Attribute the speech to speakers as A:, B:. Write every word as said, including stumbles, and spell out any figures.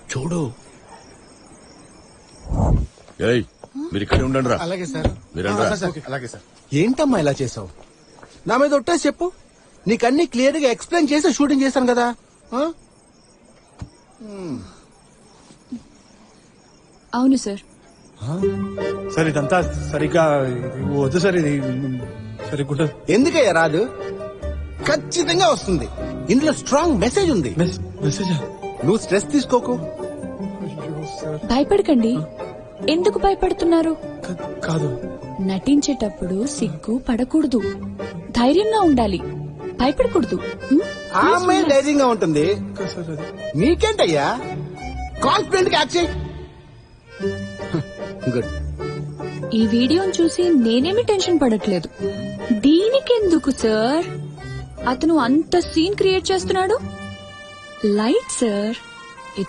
A: చూడు. ఏయ్, మీరు ఇక్కడ ఉండండి రా.
B: అలాగే సార్.
A: మీరు
B: అలాగే సార్. ఏంటమ్మా ఇలా చేసావు? నా మీద ఒట్టేసి చెప్పు. నీకన్నీ క్లియర్ గా ఎక్స్ప్లెయిన్ చేసి షూటింగ్ చేశాను కదా.
C: అవును సార్.
D: సార్ ఇదంతా సరిగ్గా వద్దు సార్. ఇది సరిగ్గా
B: ఎందుకయ్యా రాదు? ఖచ్చితంగా వస్తుంది. ఇందులో స్ట్రాంగ్ మెసేజ్ ఉంది.
D: మెసేజ్
B: నువ్వు స్ట్రెస్ తీసుకోకు.
C: భయపడకండి. ఎందుకు భయపడుతున్నారు?
D: కాదు,
C: నటించేటప్పుడు సిగ్గు పడకూడదు, ధైర్యంగా ఉండాలి, భయపడకూడదు. హ్మ్?
B: ఆ అమ్మాయి ధైర్యంగా ఉంటుంది. నీకేంటయ్యా? కాన్ఫిడెంట్ గా యాక్ట్ చేయి. గుడ్.
C: ఈ వీడియోని చూసి నేనేమి టెన్షన్ పడట్లేదు. దీనికెందుకు సార్? అతను అంత సీన్ క్రియేట్ చేస్తున్నాడు. Light sir.